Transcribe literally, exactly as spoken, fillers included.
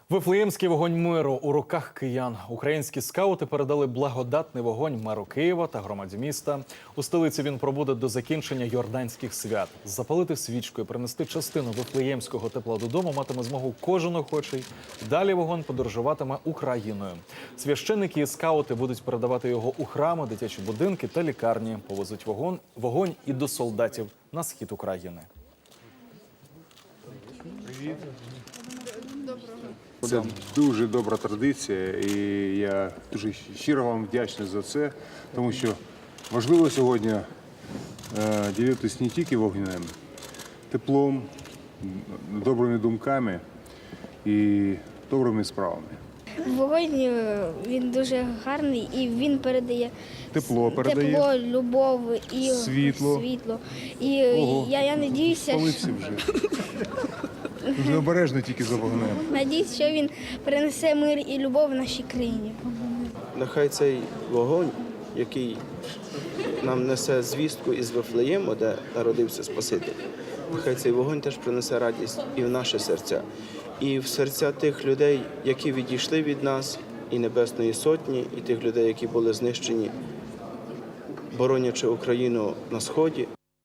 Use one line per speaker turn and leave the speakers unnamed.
Вифлеємський вогонь миру у руках киян. Українські скаути передали благодатний вогонь меру Києва та громаді міста. У столиці він пробуде до закінчення йорданських свят. Запалити свічку і принести частину вифлеємського тепла додому матиме змогу кожен охочий. Далі вогонь подорожуватиме Україною. Священники і скаути будуть передавати його у храми, дитячі будинки та лікарні. Повезуть вогонь, вогонь і до солдатів на схід України.
Привіт. Це дуже добра традиція, і я дуже щиро вам вдячний за це, тому що важливо сьогодні е, ділитися не тільки вогнем, теплом, добрими думками і добрими справами.
Вогонь, він дуже гарний і він передає
Тепло передає,
тепло, любов і
світло.
світло. І
Ого,
я, я надіюся,
спалився вже. Дуже обережно тільки за вогнем.
надіюсь, що він принесе мир і любов в нашій країні.
Нехай цей вогонь, який нам несе звістку із Вифлеєму, де народився Спаситель, нехай цей вогонь теж принесе радість і в наші серця, і в серця тих людей, які відійшли від нас, і Небесної Сотні, і тих людей, які були знищені, боронячи Україну на Сході,